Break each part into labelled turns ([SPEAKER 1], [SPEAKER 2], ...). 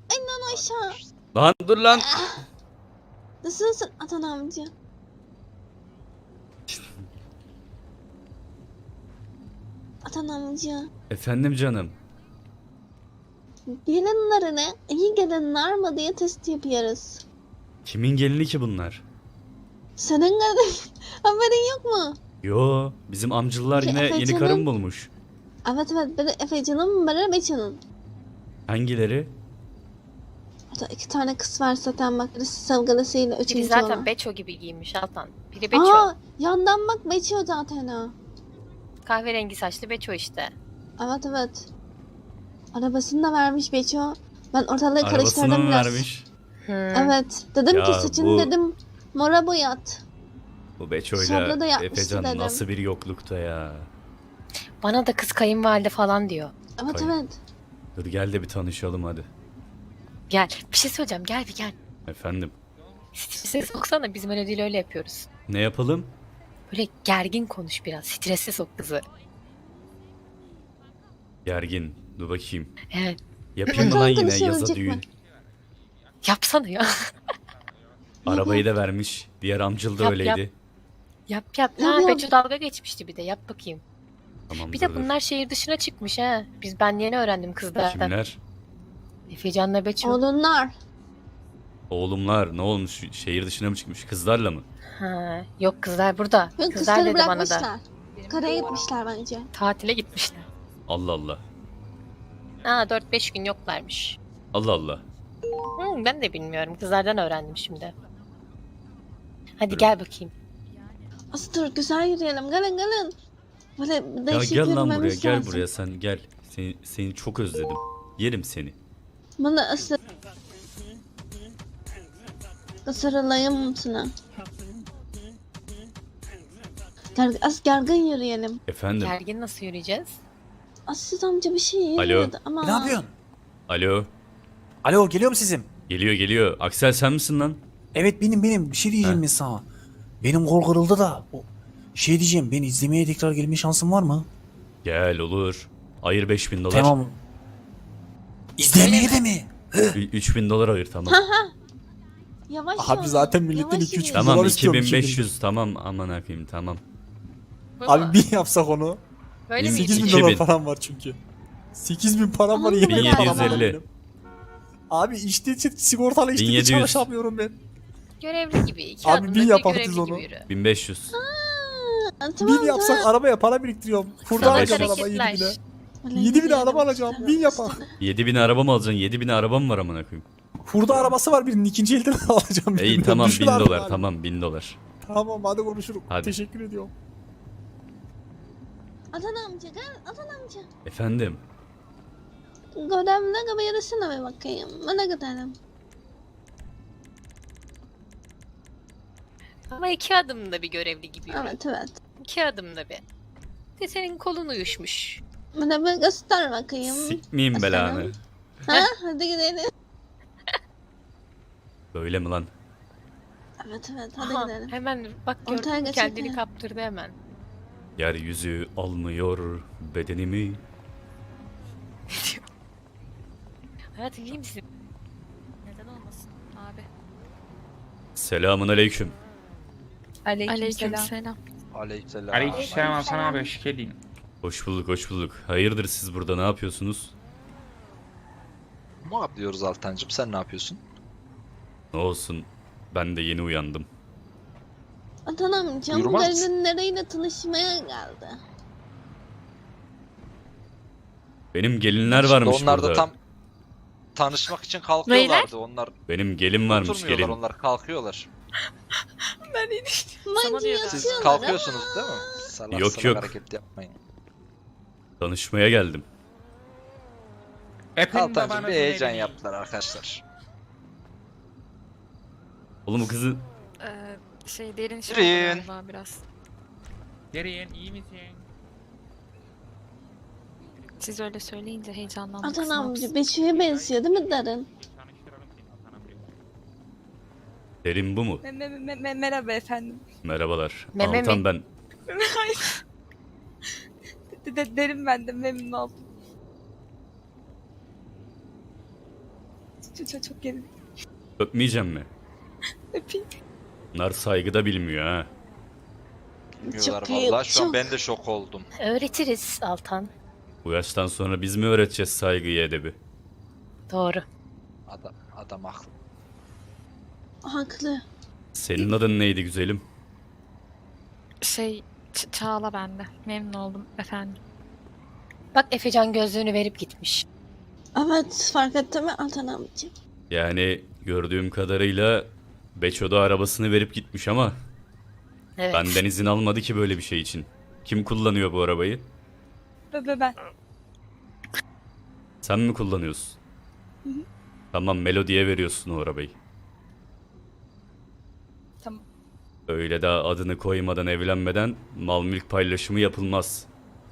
[SPEAKER 1] İnan aşağı.
[SPEAKER 2] Lan dur lan.
[SPEAKER 1] Nasılsın Atan amca? Atan amca.
[SPEAKER 2] Efendim canım.
[SPEAKER 1] Gelinlerine iyi gelinler mi diye test yapıyoruz.
[SPEAKER 2] Kimin gelini ki bunlar?
[SPEAKER 1] Senin gelin haberin yok mu?
[SPEAKER 2] Yo, bizim amcılar
[SPEAKER 1] Peki,
[SPEAKER 2] yine yeni
[SPEAKER 1] Efecan'ın-
[SPEAKER 2] karım bulmuş.
[SPEAKER 1] Evet biri Efecan'ın biri Beçan'ın.
[SPEAKER 2] Hangileri?
[SPEAKER 1] O da 2 tane kız var zaten bak birisi sevgilisiyle
[SPEAKER 3] Biri
[SPEAKER 1] üçüncü
[SPEAKER 3] zaten
[SPEAKER 1] olan.
[SPEAKER 3] Beço gibi giyinmiş Altan. Biri Beço.
[SPEAKER 1] Aa yandan bak Beço zaten o.
[SPEAKER 3] Kahverengi saçlı Beço işte.
[SPEAKER 1] Evet. Arabasını da vermiş Beço. Ben ortalığı
[SPEAKER 2] Arabasını
[SPEAKER 1] karıştırdım
[SPEAKER 2] mı
[SPEAKER 1] biraz.
[SPEAKER 2] vermiş?
[SPEAKER 1] Evet. Dedim
[SPEAKER 2] Ya
[SPEAKER 1] ki saçını
[SPEAKER 2] bu-
[SPEAKER 1] dedim mora boyat.
[SPEAKER 2] Bu
[SPEAKER 1] Sonra
[SPEAKER 2] Beço'yla
[SPEAKER 1] da yapmıştı
[SPEAKER 2] Efecan
[SPEAKER 1] dedim.
[SPEAKER 2] nasıl bir yoklukta ya.
[SPEAKER 3] Bana da kız kayınvalide falan diyor.
[SPEAKER 1] Evet
[SPEAKER 2] Hayır.
[SPEAKER 1] evet.
[SPEAKER 2] Dur gel de bir tanışalım hadi.
[SPEAKER 3] Gel. Bir şey söyleyeceğim. Gel bir gel.
[SPEAKER 2] Efendim.
[SPEAKER 3] Strese soksana. Biz melodiyle öyle yapıyoruz.
[SPEAKER 2] Ne yapalım?
[SPEAKER 3] Böyle gergin konuş biraz. Strese sok kızı.
[SPEAKER 2] Gergin. Dur bakayım.
[SPEAKER 3] Evet.
[SPEAKER 2] Yapayım mı
[SPEAKER 1] Bakalım
[SPEAKER 2] lan yine
[SPEAKER 1] konuşabilecek
[SPEAKER 2] yaza
[SPEAKER 1] mi?
[SPEAKER 2] düğün?
[SPEAKER 3] Yapsana ya.
[SPEAKER 2] Arabayı da vermiş. Diğer amcıl da
[SPEAKER 3] Yap,
[SPEAKER 2] öyleydi.
[SPEAKER 3] Yap.
[SPEAKER 1] Yap,
[SPEAKER 3] Ha,
[SPEAKER 1] yap.
[SPEAKER 3] Beço dalga geçmişti bir de. Yap bakayım.
[SPEAKER 2] Tamam
[SPEAKER 3] Bir
[SPEAKER 2] dur,
[SPEAKER 3] de bunlar şehir dışına çıkmış ha. Ben yeni öğrendim
[SPEAKER 2] dur.
[SPEAKER 3] kızlardan.
[SPEAKER 2] Kimler?
[SPEAKER 3] Efecan'la Beço.
[SPEAKER 1] Oğlunlar.
[SPEAKER 2] Oğlumlar ne olmuş? Şehir dışına mı çıkmış? Kızlarla mı?
[SPEAKER 3] Ha, yok kızlar burada.
[SPEAKER 1] Yok
[SPEAKER 3] Kızlar
[SPEAKER 1] kızları
[SPEAKER 3] dedi bana da.
[SPEAKER 1] bırakmışlar. Karaya gitmişler bence.
[SPEAKER 3] Tatile gitmişler.
[SPEAKER 2] Allah Allah.
[SPEAKER 3] Ha 4-5 gün yoklarmış.
[SPEAKER 2] Allah Allah.
[SPEAKER 3] Ben de bilmiyorum. Kızlardan öğrendim şimdi. Hadi
[SPEAKER 2] Buyurun.
[SPEAKER 3] gel bakayım.
[SPEAKER 1] Aslı dur güzel yürüyelim. Gelin. Böyle
[SPEAKER 2] Ya
[SPEAKER 1] değişik
[SPEAKER 2] gel lan buraya,
[SPEAKER 1] yürümemiz
[SPEAKER 2] gel
[SPEAKER 1] lazım.
[SPEAKER 2] buraya sen gel. Seni çok özledim. Yerim seni.
[SPEAKER 1] Bana ısırılayım sana. Az gergin yürüyelim.
[SPEAKER 2] Efendim.
[SPEAKER 3] Gergin nasıl yürüyeceğiz?
[SPEAKER 1] Aslı amca bir şey
[SPEAKER 2] Alo.
[SPEAKER 1] yürüyordu ama.
[SPEAKER 4] Ne yapıyorsun?
[SPEAKER 2] Alo.
[SPEAKER 4] Alo geliyor mu sizin?
[SPEAKER 2] Geliyor. Aksel sen misin lan?
[SPEAKER 4] Evet benim. Bir şey diyeceğim
[SPEAKER 2] He.
[SPEAKER 4] ben sana. Benim kol kırıldı da. Şey diyeceğim ben izlemeye tekrar gelme şansım var mı?
[SPEAKER 2] Gel olur. Ayır 5.000 dolar.
[SPEAKER 4] Tamam. İzlemeye de mi?
[SPEAKER 2] 3.000 dolar ayır tamam.
[SPEAKER 1] Yavaş
[SPEAKER 4] Abi
[SPEAKER 1] yürü,
[SPEAKER 4] zaten milletin
[SPEAKER 1] yavaş
[SPEAKER 4] 2-3
[SPEAKER 1] yürü.
[SPEAKER 4] bin
[SPEAKER 2] Tamam
[SPEAKER 4] dolar istiyorum
[SPEAKER 2] 2500 tamam aman akıyım tamam.
[SPEAKER 4] Abi 1000 yapsak onu.
[SPEAKER 3] Böyle
[SPEAKER 2] Bin-
[SPEAKER 3] mi
[SPEAKER 4] 8 bin
[SPEAKER 2] 2000.
[SPEAKER 4] dolar param var çünkü. 8 bin param var.
[SPEAKER 1] Aman
[SPEAKER 4] yemin ederim param var
[SPEAKER 2] 1750.
[SPEAKER 4] benim. Abi işte sigortalı işte
[SPEAKER 2] 1700.
[SPEAKER 4] çalışamıyorum ben.
[SPEAKER 3] Görevli gibi. İki
[SPEAKER 4] Abi
[SPEAKER 3] adımda
[SPEAKER 4] bin
[SPEAKER 3] bir
[SPEAKER 4] yaparız
[SPEAKER 3] görevli
[SPEAKER 4] onu.
[SPEAKER 3] gibi yürü.
[SPEAKER 2] 1500.
[SPEAKER 1] Tamam,
[SPEAKER 4] 1000 yapsak arabaya para biriktiriyorum. Kurda
[SPEAKER 2] Sana
[SPEAKER 4] alacağım
[SPEAKER 2] hareketler.
[SPEAKER 4] araba 7 bine.
[SPEAKER 1] Öyle
[SPEAKER 4] 7 bine
[SPEAKER 1] yürüyelim.
[SPEAKER 4] araba alacağım. 1000 yapak.
[SPEAKER 2] 7000 araba mı alacaksın? 7000 araba mı var amına koyayım?
[SPEAKER 4] Hurda arabası var birinin ikinci elden alacağım.
[SPEAKER 2] İyi
[SPEAKER 4] birinden.
[SPEAKER 2] tamam
[SPEAKER 4] Düşün
[SPEAKER 2] 1000
[SPEAKER 4] abi
[SPEAKER 2] dolar
[SPEAKER 4] abi.
[SPEAKER 2] tamam 1000 dolar.
[SPEAKER 4] Tamam hadi konuşuruz.
[SPEAKER 2] Hadi.
[SPEAKER 4] Teşekkür ediyorum.
[SPEAKER 1] Atan amca gel Atan amca.
[SPEAKER 2] Efendim.
[SPEAKER 1] Görevli gibi yürüsene bir bakayım. Bana gidelim.
[SPEAKER 3] Ama iki adımda bir görevli gibi yürü.
[SPEAKER 1] Evet.
[SPEAKER 3] 2 adımda bir. De senin kolun uyuşmuş.
[SPEAKER 1] Bana bir göster bakayım.
[SPEAKER 2] Sikmeyeyim belanı.
[SPEAKER 1] Ha hadi gidelim.
[SPEAKER 2] Böyle mi lan?
[SPEAKER 1] Evet hadi
[SPEAKER 3] Aha,
[SPEAKER 1] gidelim.
[SPEAKER 3] hemen bak
[SPEAKER 1] Ortaya
[SPEAKER 3] gördün mü
[SPEAKER 1] geçelim.
[SPEAKER 3] kendini kaptırdı hemen.
[SPEAKER 2] Yeryüzü almıyor bedenimi.
[SPEAKER 3] Hayatım iyi misin? Neden olmasın abi?
[SPEAKER 2] Selamun aleyküm.
[SPEAKER 5] Aleykümselam.
[SPEAKER 6] Aleykümselam.
[SPEAKER 7] Aleykümselam Hasan abi hoş geldin.
[SPEAKER 2] Hoş bulduk. Hayırdır siz burada ne yapıyorsunuz?
[SPEAKER 6] Ne yapıyoruz Altancığım? Sen ne yapıyorsun?
[SPEAKER 2] Ne olsun ben de yeni uyandım.
[SPEAKER 1] Atan amcam
[SPEAKER 6] Buyurmaz mısın?
[SPEAKER 1] gelinleriyle tanışmaya geldi.
[SPEAKER 2] Benim gelinler
[SPEAKER 6] İşte
[SPEAKER 2] varmış
[SPEAKER 6] onlar
[SPEAKER 2] burada.
[SPEAKER 6] da tam tanışmak için kalkıyorlardı. Onlar
[SPEAKER 2] Benim gelin varmış
[SPEAKER 6] oturmuyorlar,
[SPEAKER 2] gelin.
[SPEAKER 6] onlar kalkıyorlar.
[SPEAKER 1] Bence
[SPEAKER 3] diyordum.
[SPEAKER 6] Siz
[SPEAKER 1] yatıyorlar
[SPEAKER 6] kalkıyorsunuz
[SPEAKER 1] ama.
[SPEAKER 6] değil mi? Salak
[SPEAKER 2] Yok,
[SPEAKER 6] salak
[SPEAKER 2] yok.
[SPEAKER 6] hareket yapmayın.
[SPEAKER 2] Tanışmaya geldim.
[SPEAKER 7] Efendim
[SPEAKER 6] Altancığım
[SPEAKER 7] babanızın
[SPEAKER 6] bir heyecan
[SPEAKER 7] evini-
[SPEAKER 6] yaptılar arkadaşlar.
[SPEAKER 2] Oğlum kızı
[SPEAKER 5] Derin şey
[SPEAKER 6] Derin.
[SPEAKER 5] oldu galiba biraz.
[SPEAKER 7] Derin iyi misin?
[SPEAKER 5] Siz öyle söyleyince heyecanlandım.
[SPEAKER 1] Atan
[SPEAKER 5] kız, ne
[SPEAKER 1] amca
[SPEAKER 5] yapsın?
[SPEAKER 1] Beşik'e benziyor değil mi Derin?
[SPEAKER 7] Tanıştıralım seni Hasan abi.
[SPEAKER 2] derin bu mu?
[SPEAKER 5] Merhaba efendim.
[SPEAKER 2] Merhabalar.
[SPEAKER 3] Meme
[SPEAKER 2] Altan
[SPEAKER 3] mi?
[SPEAKER 2] ben.
[SPEAKER 5] Derin ben de memnun oldum. Çok gelin.
[SPEAKER 2] Öpmeyeceğim mi?
[SPEAKER 5] Öpeyim.
[SPEAKER 2] Bunlar saygı da bilmiyor ha.
[SPEAKER 6] Bilmiyorlar
[SPEAKER 1] Çok iyi,
[SPEAKER 6] vallahi. Şu an
[SPEAKER 1] çok.
[SPEAKER 6] ben de şok oldum.
[SPEAKER 3] Öğretiriz Altan.
[SPEAKER 2] Bu yaştan sonra biz mi öğreteceğiz saygıyı, edebi?
[SPEAKER 3] Doğru.
[SPEAKER 6] Adam haklı.
[SPEAKER 1] Haklı.
[SPEAKER 2] Senin adın neydi güzelim?
[SPEAKER 5] Çağla bende. Memnun oldum efendim.
[SPEAKER 3] Bak Efecan gözlüğünü verip gitmiş.
[SPEAKER 1] Evet, fark ettin mi Altan amcım?
[SPEAKER 2] Yani gördüğüm kadarıyla Beço da arabasını verip gitmiş ama
[SPEAKER 3] Evet.
[SPEAKER 2] benden izin almadı ki böyle bir şey için. Kim kullanıyor bu arabayı?
[SPEAKER 5] Ben.
[SPEAKER 2] Sen mi kullanıyorsun? Tamam, Melody'ye veriyorsun o arabayı.
[SPEAKER 5] Tamam.
[SPEAKER 2] Öyle daha adını koymadan, evlenmeden mal mülk paylaşımı yapılmaz.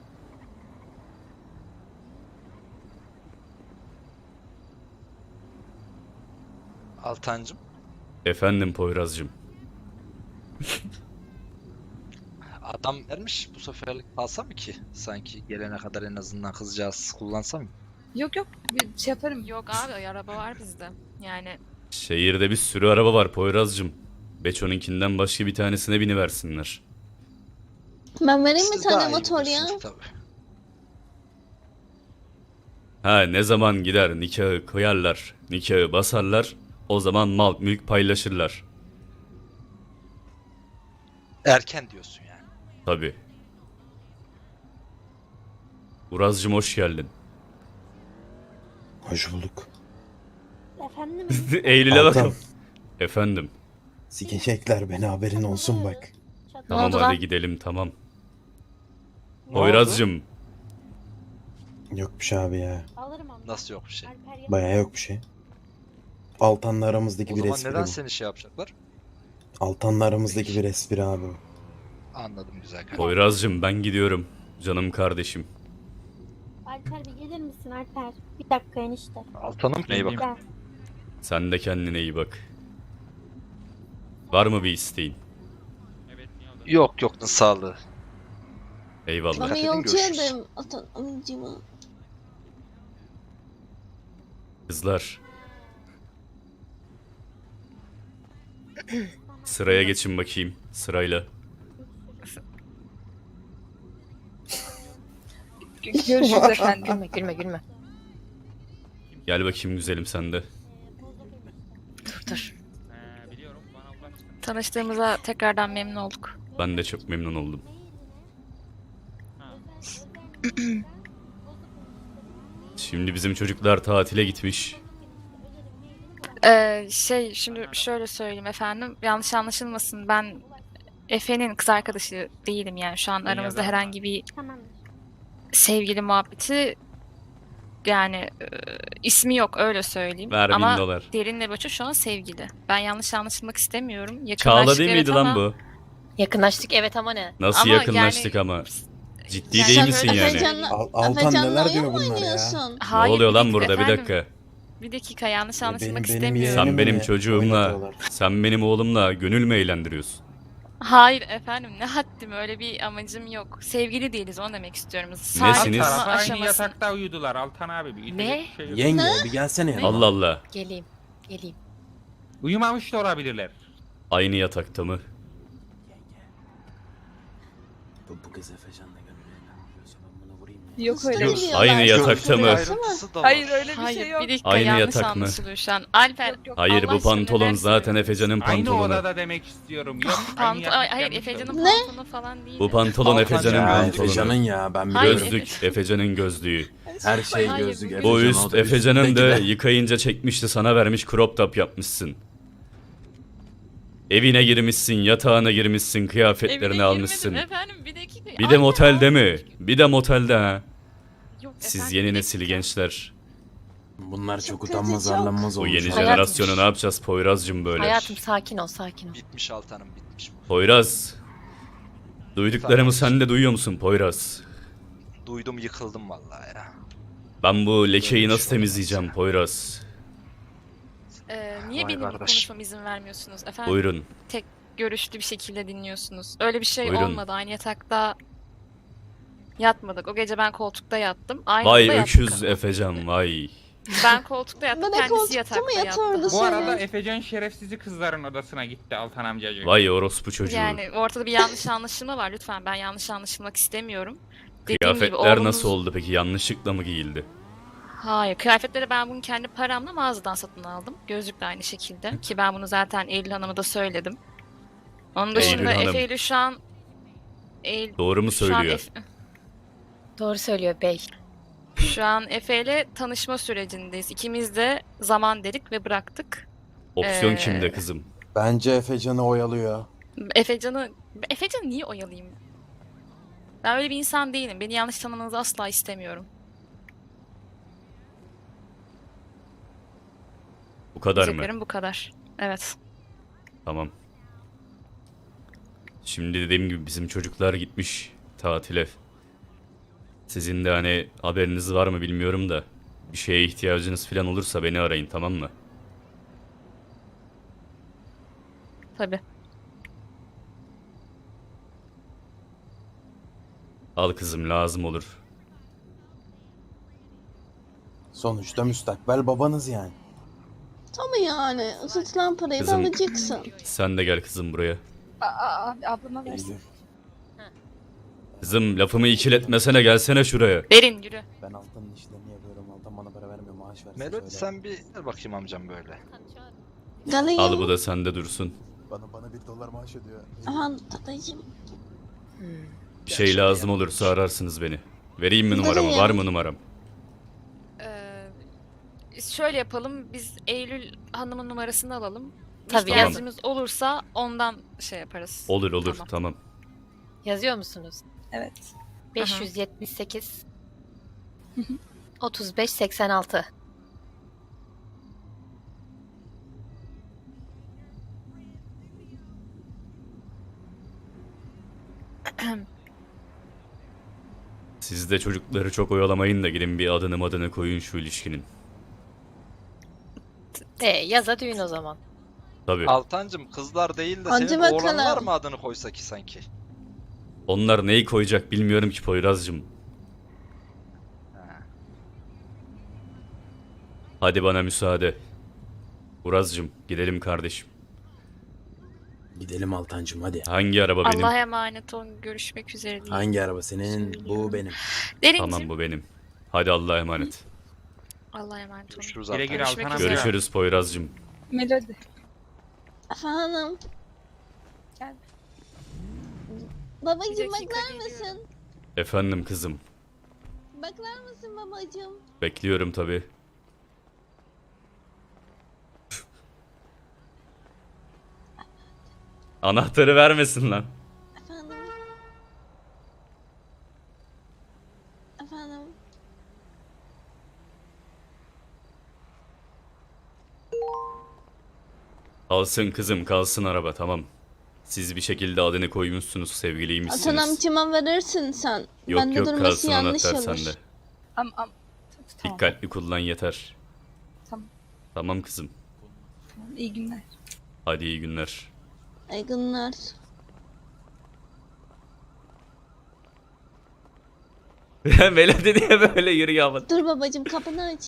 [SPEAKER 6] Altancım.
[SPEAKER 2] Efendim Poyraz'cığım.
[SPEAKER 6] Adam vermiş bu seferlik alsa mı ki? Sanki gelene kadar en azından kızcağız kullansa mı?
[SPEAKER 5] Yok bir şey yaparım.
[SPEAKER 8] Yok abi araba var bizde. Yani
[SPEAKER 2] Şehirde bir sürü araba var Poyraz'cığım. Beço'nunkinden başka bir tanesine biniversinler.
[SPEAKER 1] Ben vereyim mi
[SPEAKER 6] Siz
[SPEAKER 1] tane
[SPEAKER 6] daha iyi
[SPEAKER 1] motor ya?
[SPEAKER 6] bilirsiniz tabii.
[SPEAKER 2] Ha, ne zaman gider nikahı koyarlar, nikahı basarlar, o zaman mal mülk paylaşırlar.
[SPEAKER 6] Erken diyorsun yani.
[SPEAKER 2] Tabii. Uraz'cığım hoş geldin.
[SPEAKER 4] Hoş bulduk.
[SPEAKER 9] Efendim?
[SPEAKER 2] Eylül'e
[SPEAKER 4] Altan.
[SPEAKER 2] bakalım. Efendim.
[SPEAKER 4] Sikecekler beni, haberin olsun bak.
[SPEAKER 2] Tamam
[SPEAKER 3] oldu
[SPEAKER 2] hadi
[SPEAKER 3] lan?
[SPEAKER 2] gidelim, tamam. Poyraz'cığım
[SPEAKER 4] Yok bir şey abi ya.
[SPEAKER 9] Alırım ama.
[SPEAKER 6] Nasıl yok bir şey?
[SPEAKER 9] Alper
[SPEAKER 4] Bayağı yok bir şey. Altan'la aramızdaki
[SPEAKER 6] O
[SPEAKER 4] bir
[SPEAKER 6] zaman
[SPEAKER 4] espri
[SPEAKER 6] neden
[SPEAKER 4] bu.
[SPEAKER 6] seni şey yapacaklar?
[SPEAKER 4] Altan'la aramızdaki bir espri abi bu.
[SPEAKER 6] Anladım güzel kardeşim.
[SPEAKER 2] Poyraz'cığım ben gidiyorum. Canım kardeşim.
[SPEAKER 9] Alper bir gelir misin Alper? Bir dakika enişte.
[SPEAKER 6] Altanım neye bak?
[SPEAKER 9] Gel.
[SPEAKER 2] Sen de kendine iyi bak. Var mı bir isteğin?
[SPEAKER 7] Evet niye oldu?
[SPEAKER 6] Yok sağlığı.
[SPEAKER 2] Eyvallah.
[SPEAKER 1] Bana
[SPEAKER 6] edin,
[SPEAKER 1] yolcu
[SPEAKER 6] görüşürüz.
[SPEAKER 1] ederim Altan amcıma.
[SPEAKER 2] Kızlar. Sıraya geçin bakayım. Sırayla.
[SPEAKER 5] Görüşürüz efendim.
[SPEAKER 3] Gülme.
[SPEAKER 2] Gel bakayım güzelim sen de.
[SPEAKER 3] Dur.
[SPEAKER 7] Biliyorum bana ulaştı.
[SPEAKER 5] Tanıştığımıza tekrardan memnun olduk.
[SPEAKER 2] Ben de çok memnun oldum. Şimdi bizim çocuklar tatile gitmiş.
[SPEAKER 5] Şimdi şöyle söyleyeyim efendim. Yanlış anlaşılmasın. Ben Efe'nin kız arkadaşı değilim yani. Şu an
[SPEAKER 7] İyi
[SPEAKER 5] aramızda
[SPEAKER 7] adam.
[SPEAKER 5] herhangi bir
[SPEAKER 9] Tamam.
[SPEAKER 5] sevgili muhabbeti yani ismi yok öyle söyleyeyim.
[SPEAKER 2] Ver
[SPEAKER 5] Ama
[SPEAKER 2] 1000 dolar.
[SPEAKER 5] Derin'le Boço şu an sevgili. Ben yanlış anlaşılmak istemiyorum.
[SPEAKER 2] Çağla
[SPEAKER 5] Yakınlaştık
[SPEAKER 2] değil
[SPEAKER 5] evet
[SPEAKER 2] miydi lan
[SPEAKER 5] ama-
[SPEAKER 2] bu?
[SPEAKER 3] Yakınlaştık evet ama ne?
[SPEAKER 2] Nasıl
[SPEAKER 5] Ama
[SPEAKER 2] yakınlaştık
[SPEAKER 5] yani-
[SPEAKER 2] ama? Ciddi
[SPEAKER 5] Yani
[SPEAKER 2] değil
[SPEAKER 5] sen
[SPEAKER 2] misin
[SPEAKER 5] öyle
[SPEAKER 2] yani?
[SPEAKER 1] Efecan'la,
[SPEAKER 4] Altan
[SPEAKER 1] Efecan'la
[SPEAKER 4] neler
[SPEAKER 1] oyun
[SPEAKER 4] diyor
[SPEAKER 1] mu
[SPEAKER 4] bunlar ya?
[SPEAKER 1] oynuyorsun?
[SPEAKER 2] Ne
[SPEAKER 5] Hayır,
[SPEAKER 2] oluyor
[SPEAKER 5] bir
[SPEAKER 2] lan
[SPEAKER 5] dakika
[SPEAKER 2] burada? Bir
[SPEAKER 5] efendim.
[SPEAKER 2] dakika.
[SPEAKER 5] Bir dakika yanlış anlaşılmak
[SPEAKER 4] Benim
[SPEAKER 5] istemiyorum.
[SPEAKER 4] yeğenimi
[SPEAKER 2] Sen benim
[SPEAKER 4] mi
[SPEAKER 2] çocuğumla,
[SPEAKER 4] oynatıyorlar?
[SPEAKER 2] sen benim oğlumla gönül mü eğlendiriyorsun?
[SPEAKER 5] Hayır efendim ne haddim öyle bir amacım yok. Sevgili değiliz onu demek istiyorum.
[SPEAKER 2] Nesiniz?
[SPEAKER 5] Saygı
[SPEAKER 7] Alt tarafı aynı
[SPEAKER 5] aşaması.
[SPEAKER 7] yatakta uyudular Altan abi. Bir itecek
[SPEAKER 5] Ne?
[SPEAKER 7] bir şey yok.
[SPEAKER 4] Yenge bir gelsene yanıma.
[SPEAKER 2] Allah Allah.
[SPEAKER 3] Geleyim.
[SPEAKER 7] Uyumamış da olabilirler.
[SPEAKER 2] Aynı yatakta mı?
[SPEAKER 4] Bu kız Efecan'la gönül eğlendiriyorsa ben buna vurayım ya.
[SPEAKER 5] Yok öyle bir şey.
[SPEAKER 2] Aynı yatakta mı?
[SPEAKER 6] Ayrıntısı da var.
[SPEAKER 5] Hayır öyle bir Hayır şey yok. bir dakika
[SPEAKER 2] Aynı
[SPEAKER 5] yanlış
[SPEAKER 2] yatak mı?
[SPEAKER 5] anlaşılıyor şu an. Alper
[SPEAKER 2] Hayır
[SPEAKER 5] Allah
[SPEAKER 2] bu
[SPEAKER 5] aşkına
[SPEAKER 2] pantolon
[SPEAKER 5] neler
[SPEAKER 2] zaten
[SPEAKER 5] söylüyorsun?
[SPEAKER 2] Efecan'ın
[SPEAKER 7] Aynı
[SPEAKER 2] pantolonu.
[SPEAKER 7] odada demek istiyorum. Yok aynı
[SPEAKER 5] Hayır
[SPEAKER 7] yatakta
[SPEAKER 5] Efecan'ın
[SPEAKER 1] Ne?
[SPEAKER 5] pantolonu falan değil.
[SPEAKER 2] Bu pantolon
[SPEAKER 6] Altan
[SPEAKER 2] Efecan'ın
[SPEAKER 6] ya,
[SPEAKER 2] pantolonu.
[SPEAKER 4] Efecan'ın ya ben
[SPEAKER 5] Hayır,
[SPEAKER 4] biliyorum.
[SPEAKER 2] Gözlük Efecan'ın gözlüğü.
[SPEAKER 4] Her şey
[SPEAKER 5] Hayır,
[SPEAKER 4] gözlük.
[SPEAKER 5] bu
[SPEAKER 4] Efecan
[SPEAKER 2] Bu üst
[SPEAKER 4] oldu,
[SPEAKER 2] Efecan'ın da
[SPEAKER 4] üstündeki de.
[SPEAKER 2] yıkayınca çekmişti, sana vermiş, crop top yapmışsın. Evine girmişsin, yatağına girmişsin, kıyafetlerini
[SPEAKER 5] Evine
[SPEAKER 2] almışsın.
[SPEAKER 5] girmedim efendim bir dakika.
[SPEAKER 2] Bir de
[SPEAKER 5] Aynen,
[SPEAKER 2] motelde mi?
[SPEAKER 5] aynen.
[SPEAKER 2] Bir de motelde ha.
[SPEAKER 5] Yok
[SPEAKER 2] Siz
[SPEAKER 5] efendim,
[SPEAKER 2] yeni
[SPEAKER 5] bir
[SPEAKER 2] nesil
[SPEAKER 5] dakika.
[SPEAKER 2] gençler.
[SPEAKER 4] Bunlar çok
[SPEAKER 1] Çok
[SPEAKER 4] utanmaz
[SPEAKER 1] kötü, çok.
[SPEAKER 4] arlanmaz
[SPEAKER 2] Bu
[SPEAKER 4] olmuş.
[SPEAKER 2] yeni
[SPEAKER 3] Hayatım.
[SPEAKER 2] jenerasyonu ne yapacağız Poyraz'cığım böyle?
[SPEAKER 3] Hayatım sakin ol.
[SPEAKER 6] Bitmiş Altanım bitmiş bu.
[SPEAKER 2] Poyraz. Duyduklarımı
[SPEAKER 6] Tamam.
[SPEAKER 2] sen de duyuyor musun Poyraz?
[SPEAKER 6] Duydum yıkıldım vallahi ya.
[SPEAKER 2] Ben bu lekeyi
[SPEAKER 6] Böyle bir
[SPEAKER 2] nasıl
[SPEAKER 6] şey
[SPEAKER 2] temizleyeceğim
[SPEAKER 6] olmaz
[SPEAKER 2] Poyraz?
[SPEAKER 5] Niye
[SPEAKER 6] Vay
[SPEAKER 5] benim
[SPEAKER 6] kardeş.
[SPEAKER 5] konuşmama izin vermiyorsunuz efendim?
[SPEAKER 2] Buyurun.
[SPEAKER 5] Görüşlü bir şekilde dinliyorsunuz. Öyle bir şey
[SPEAKER 2] Buyurun.
[SPEAKER 5] olmadı. Aynı yatakta yatmadık. O gece ben koltukta yattım. Aynı
[SPEAKER 2] Vay
[SPEAKER 5] odada
[SPEAKER 2] öküz
[SPEAKER 5] yattık.
[SPEAKER 2] Efecan vay.
[SPEAKER 5] Ben koltukta yattım,
[SPEAKER 1] Ben de
[SPEAKER 5] kendisi
[SPEAKER 1] koltukta
[SPEAKER 5] yatakta
[SPEAKER 1] mı
[SPEAKER 5] yattı.
[SPEAKER 1] yatardı?
[SPEAKER 7] Bu arada
[SPEAKER 1] Söyle.
[SPEAKER 7] Efecan şerefsizi kızların odasına gitti Altan amcacığım.
[SPEAKER 2] Vay orospu çocuğu.
[SPEAKER 5] Yani ortada bir yanlış anlaşılma var lütfen. Ben yanlış anlaşılmak istemiyorum. Dediğim gibi
[SPEAKER 2] Kıyafetler
[SPEAKER 5] oğlunuz-
[SPEAKER 2] nasıl oldu peki? Yanlışlıkla mı giyildi?
[SPEAKER 5] Hayır, kıyafetleri ben bunu kendi paramla mağazadan satın aldım. Gözlük de aynı şekilde. Ki ben bunu zaten Eylül Hanım'a da söyledim. Onun dışında
[SPEAKER 2] Hanım.
[SPEAKER 5] Efe ile şu an...
[SPEAKER 2] Doğru mu
[SPEAKER 5] şu an
[SPEAKER 2] söylüyor?
[SPEAKER 3] Doğru söylüyor bey.
[SPEAKER 5] Şu an Efe ile tanışma sürecindeyiz. İkimiz de zaman dedik ve bıraktık.
[SPEAKER 2] Opsiyon
[SPEAKER 5] Ee,
[SPEAKER 2] kimde kızım?
[SPEAKER 10] Bence Efecan'ı oyalıyor.
[SPEAKER 5] Efecan'ı niye oyalayayım? Ben öyle bir insan değilim. Beni yanlış tanımanızı asla istemiyorum.
[SPEAKER 2] Bu kadar mı?
[SPEAKER 5] Diyeceklerim bu kadar. Evet.
[SPEAKER 2] Tamam. Şimdi dediğim gibi bizim çocuklar gitmiş tatile. Sizin de hani haberiniz var mı bilmiyorum da bir şeye ihtiyacınız falan olursa beni arayın, tamam mı?
[SPEAKER 5] Tabii.
[SPEAKER 2] Al kızım, lazım olur.
[SPEAKER 10] Sonuçta müstakbel babanız yani.
[SPEAKER 1] Tabii yani. Isıtılan parayı da
[SPEAKER 2] Kızım.
[SPEAKER 1] alacaksın.
[SPEAKER 2] Sen de gel kızım buraya.
[SPEAKER 8] Abi ablama versin.
[SPEAKER 10] Eylül,
[SPEAKER 2] Kızım lafımı ikiletmesene, gelsene şuraya.
[SPEAKER 5] Derin yürü.
[SPEAKER 10] ben Altan'ın işlerini yapıyorum. Altan bana para vermiyor, maaş versin
[SPEAKER 6] Melody
[SPEAKER 10] söyle.
[SPEAKER 6] sen bir gel bakayım amcam böyle.
[SPEAKER 1] Galayım.
[SPEAKER 2] Al bu da sende dursun.
[SPEAKER 10] Bana $1 maaş ödüyor.
[SPEAKER 1] Aman dadacığım.
[SPEAKER 2] Bir şey lazım olursa ararsınız beni. Vereyim mi numaramı?
[SPEAKER 1] Vereyim.
[SPEAKER 2] Var mı numaram?
[SPEAKER 5] Şöyle yapalım. Biz Eylül Hanım'ın numarasını alalım.
[SPEAKER 3] Tabii,
[SPEAKER 5] İhtiyacımız olursa ondan şey yaparız.
[SPEAKER 2] Olur olur,
[SPEAKER 5] Tamam.
[SPEAKER 2] tamam.
[SPEAKER 3] Yazıyor musunuz?
[SPEAKER 8] Evet.
[SPEAKER 3] 578 35 86.
[SPEAKER 2] Siz de çocukları çok oyalamayın da gidin bir adını koyun şu ilişkinin.
[SPEAKER 3] Yaza düğün o zaman.
[SPEAKER 2] Tabii.
[SPEAKER 6] Altancım kızlar değil de
[SPEAKER 1] Hadi
[SPEAKER 6] senin
[SPEAKER 1] bakalım.
[SPEAKER 6] oğlanlar mı adını koysa ki sanki?
[SPEAKER 2] Onlar neyi koyacak bilmiyorum ki Poyraz'cığım.
[SPEAKER 6] Ha.
[SPEAKER 2] Hadi bana müsaade. Uraz'cığım gidelim kardeşim.
[SPEAKER 10] Gidelim Altancım hadi.
[SPEAKER 2] Hangi araba benim?
[SPEAKER 5] Allah'a emanet olun. Görüşmek üzere diyeyim.
[SPEAKER 10] Hangi araba senin? Bu benim.
[SPEAKER 5] Derinciğim.
[SPEAKER 2] Tamam, bu benim. Hadi Allah'a emanet.
[SPEAKER 5] Allah'a emanet olun.
[SPEAKER 6] Görüşürüz
[SPEAKER 7] Güle
[SPEAKER 6] Altan.
[SPEAKER 7] güle
[SPEAKER 5] Görüşmek
[SPEAKER 7] Altan
[SPEAKER 5] üzere.
[SPEAKER 7] amca.
[SPEAKER 2] Görüşürüz Poyraz'cığım.
[SPEAKER 8] Melody.
[SPEAKER 1] Efendim.
[SPEAKER 8] Gel.
[SPEAKER 1] Babacığım
[SPEAKER 5] Bir dakika,
[SPEAKER 1] bakar
[SPEAKER 5] geliyorum.
[SPEAKER 1] mısın?
[SPEAKER 2] Efendim kızım.
[SPEAKER 1] Bakar mısın babacığım?
[SPEAKER 2] Bekliyorum tabii. Anahtarı vermesin lan.
[SPEAKER 1] Efendim. Efendim.
[SPEAKER 2] Kalsın kızım, kalsın araba, tamam. Siz bir şekilde adını koymuşsunuz, sevgiliymişsiniz.
[SPEAKER 1] Atan amcama verirsin sen.
[SPEAKER 2] Yok
[SPEAKER 1] Bende
[SPEAKER 2] yok,
[SPEAKER 1] durması
[SPEAKER 2] kalsın
[SPEAKER 1] yanlış
[SPEAKER 2] anahtar
[SPEAKER 1] olur.
[SPEAKER 2] sende.
[SPEAKER 8] Tamam.
[SPEAKER 2] Dikkatli kullan yeter.
[SPEAKER 8] Tamam.
[SPEAKER 2] Tamam kızım.
[SPEAKER 8] İyi günler.
[SPEAKER 2] Hadi iyi günler.
[SPEAKER 1] İyi günler.
[SPEAKER 2] Melodi diye böyle yürüyor ama.
[SPEAKER 1] Dur babacığım kapını aç.